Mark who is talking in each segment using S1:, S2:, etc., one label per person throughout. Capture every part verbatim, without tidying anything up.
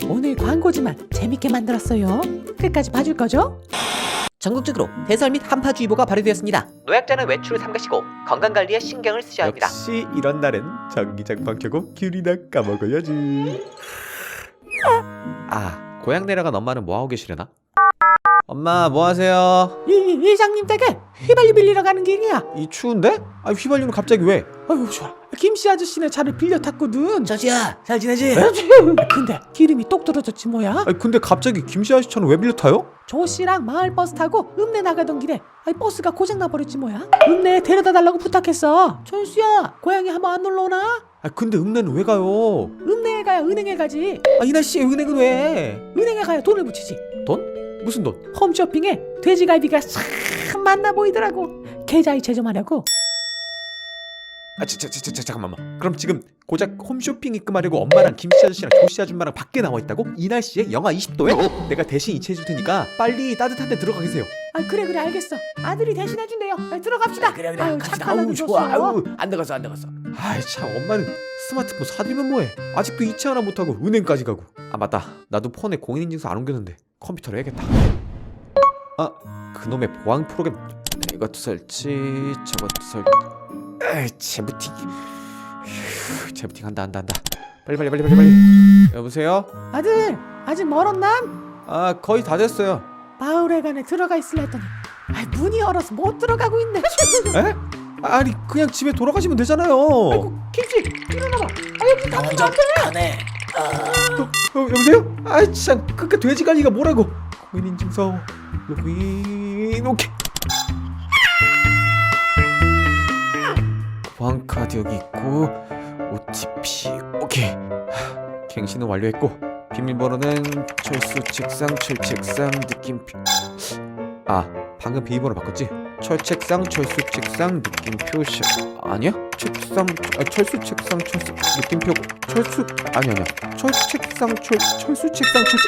S1: 오늘 광고지만 재밌게 만들었어요. 끝까지 봐줄 거죠?
S2: 전국적으로 대설 및 한파주의보가 발효되었습니다. 노약자는 외출을 삼가시고 건강관리에 신경을 쓰셔야 합니다.
S3: 역시 이런 날은 전기장판 켜고 귤이나 까먹어야지. 아, 고향 내려간 엄마는 뭐하고 계시려나? 엄마 뭐하세요?
S1: 이, 이 이장님 댁에 휘발유 빌리러 가는 길이야.
S3: 이 추운데? 아, 휘발유는 갑자기 왜?
S1: 아유 좋아. 김씨 아저씨네 차를 빌려 탔거든.
S2: 저지야, 잘 지내지?
S1: 근데 기름이 똑 떨어졌지 뭐야.
S3: 아, 근데 갑자기 김씨 아저씨 차는 왜 빌려 타요?
S1: 조씨랑 마을버스 타고 읍내 나가던 길에 아이 버스가 고장 나버렸지 뭐야. 읍내에 데려다 달라고 부탁했어. 철수야, 고향에 한번 안 놀러 오나?
S3: 아, 근데 읍내는 왜 가요?
S1: 읍내에 가야 은행에 가지.
S3: 아, 이 날씨에 은행은 왜?
S1: 은행에 가야 돈을 붙이지.
S3: 돈? 무슨 돈?
S1: 홈쇼핑에 돼지갈비가 참 맛나 보이더라고. 계좌이체 좀 하려고.
S3: 아, 자, 자, 자, 자, 잠깐만. 그럼 지금 고작 홈쇼핑 입금하려고 엄마랑 김씨 아저씨랑 조씨 아줌마랑 밖에 나와 있다고? 이 날씨에 영하 이십 도에? 내가 대신 이체해 줄 테니까 빨리 따뜻한 데 들어가 계세요.
S1: 아 그래 그래 알겠어. 아들이 대신해 준대요. 아, 들어갑시다.
S2: 그래 그래
S1: 아유,
S2: 갑시다.
S1: 착한
S2: 아우
S1: 아들
S2: 좋아.
S1: 줬어.
S2: 아우 안 나갔어 안 나갔어.
S3: 아이 참, 엄마는 스마트폰 사들면 뭐해? 아직도 이체 하나 못하고 은행까지 가고. 아 맞다, 나도 폰에 공인인증서 안 옮겼는데 컴퓨터로 해야겠다. 아, 그놈의 보안 프로그램 이것도 설치, 저것도 설치. 에이, 재부팅. 휴, 재부팅 한다 한다 한다. 빨리 빨리 빨리 빨리 빨리. 여보세요?
S1: 아들 아직 멀었나?
S3: 아, 거의 다 됐어요.
S1: 마을회관에 들어가 있을라 했더니 아 문이 열어서 못 들어가고 있네.
S3: 에? 아니 그냥 집에 돌아가시면 되잖아요.
S1: 아이고 김씨 일어나봐. 아 여기 다
S2: 먼저 가네.
S3: 어, 여보세요? 아 참, 그니까 돼지갈리가 뭐라고? 공인인증서 로그인. 오케이. 보안카드 여기 있고 오티피 오케이. 하, 갱신은 완료했고 비밀번호는 철수 책상 철책상 느낌표. 아, 방금 비밀번호 바꿨지? 철책상 철수 책상 느낌표 시 아니야? 책상 아, 철수 책상 철수 느낌표 철수 아니 아니야 철책상 철 철수 책상 철책.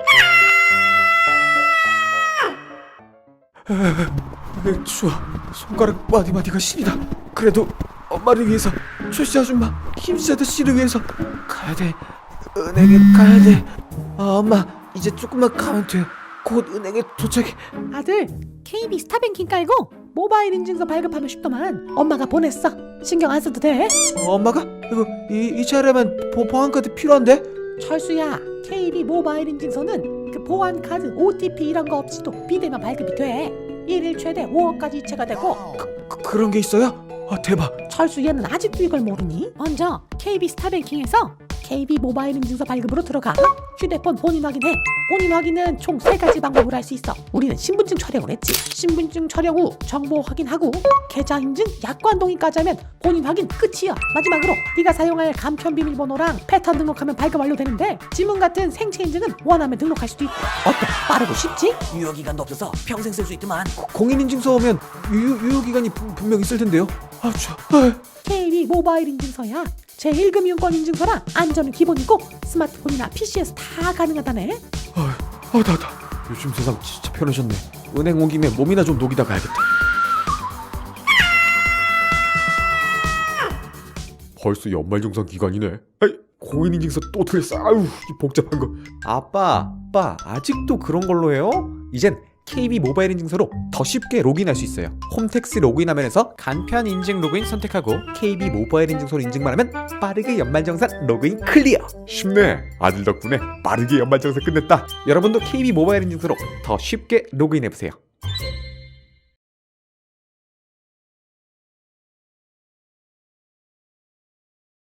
S3: 에, 추워. 손가락 마디마디가 시리다. 그래도 엄마를 위해서, 철씨 아줌마, 김씨 아저씨를 위해서 가야 돼. 은행에 가야 돼. 아, 엄마 이제 조금만 가면 돼. 곧 은행에 도착해.
S1: 아들 케이비 스타뱅킹 깔고 모바일 인증서 발급하면 쉽더만. 엄마가 보냈어. 신경 안 써도 돼.
S3: 어, 엄마가 이거 이, 이 차례면 보, 보안카드 필요한데?
S1: 철수야, 케이비 모바일 인증서는 그 보안 카드, 오티피 이런 거 없이도 비대면 발급이 돼. 일일 최대 오억까지 이체가 되고.
S3: 그, 그런 게 있어요? 아, 대박.
S1: 철수 얘는 아직도 이걸 모르니? 먼저 케이비 스타뱅킹에서 케이비 모바일 인증서 발급으로 들어가. 휴대폰 본인 확인해. 본인 확인은 총 세 가지 방법으로 할 수 있어. 우리는 신분증 촬영을 했지. 신분증 촬영 후 정보 확인하고 계좌 인증, 약관 동의까지 하면 본인 확인 끝이야. 마지막으로 네가 사용할 간편 비밀번호랑 패턴 등록하면 발급 완료되는데, 지문 같은 생체 인증은 원하면 등록할 수도 있고. 어때? 빠르고 쉽지?
S2: 유효기간도 없어서 평생 쓸 수 있더만.
S3: 공인인증서 오면 유효, 유효기간이 분- 분명 있을 텐데요. 아, 추워. 아,
S1: 케이비 모바일 인증서야. 제일 금융권 인증서라 안전은 기본이고 스마트폰이나 피시에서 다 가능하다네.
S3: 아, 아, 나, 나. 요즘 세상 진짜 편해졌네. 은행 온 김에 몸이나 좀 녹이다 가야겠다. 벌써 연말정산 기간이네. 아이, 공인인증서 또 틀렸어. 아유, 이 복잡한 거. 아빠, 아빠, 아직도 그런 걸로 해요? 이젠 케이비 모바일 인증서로 더 쉽게 로그인할 수 있어요. 홈택스 로그인 화면에서 간편 인증 로그인 선택하고 케이비 모바일 인증서로 인증만 하면 빠르게 연말정산 로그인 클리어. 쉽네. 아들 덕분에 빠르게 연말정산 끝냈다. 여러분도 케이비 모바일 인증서로 더 쉽게 로그인해보세요.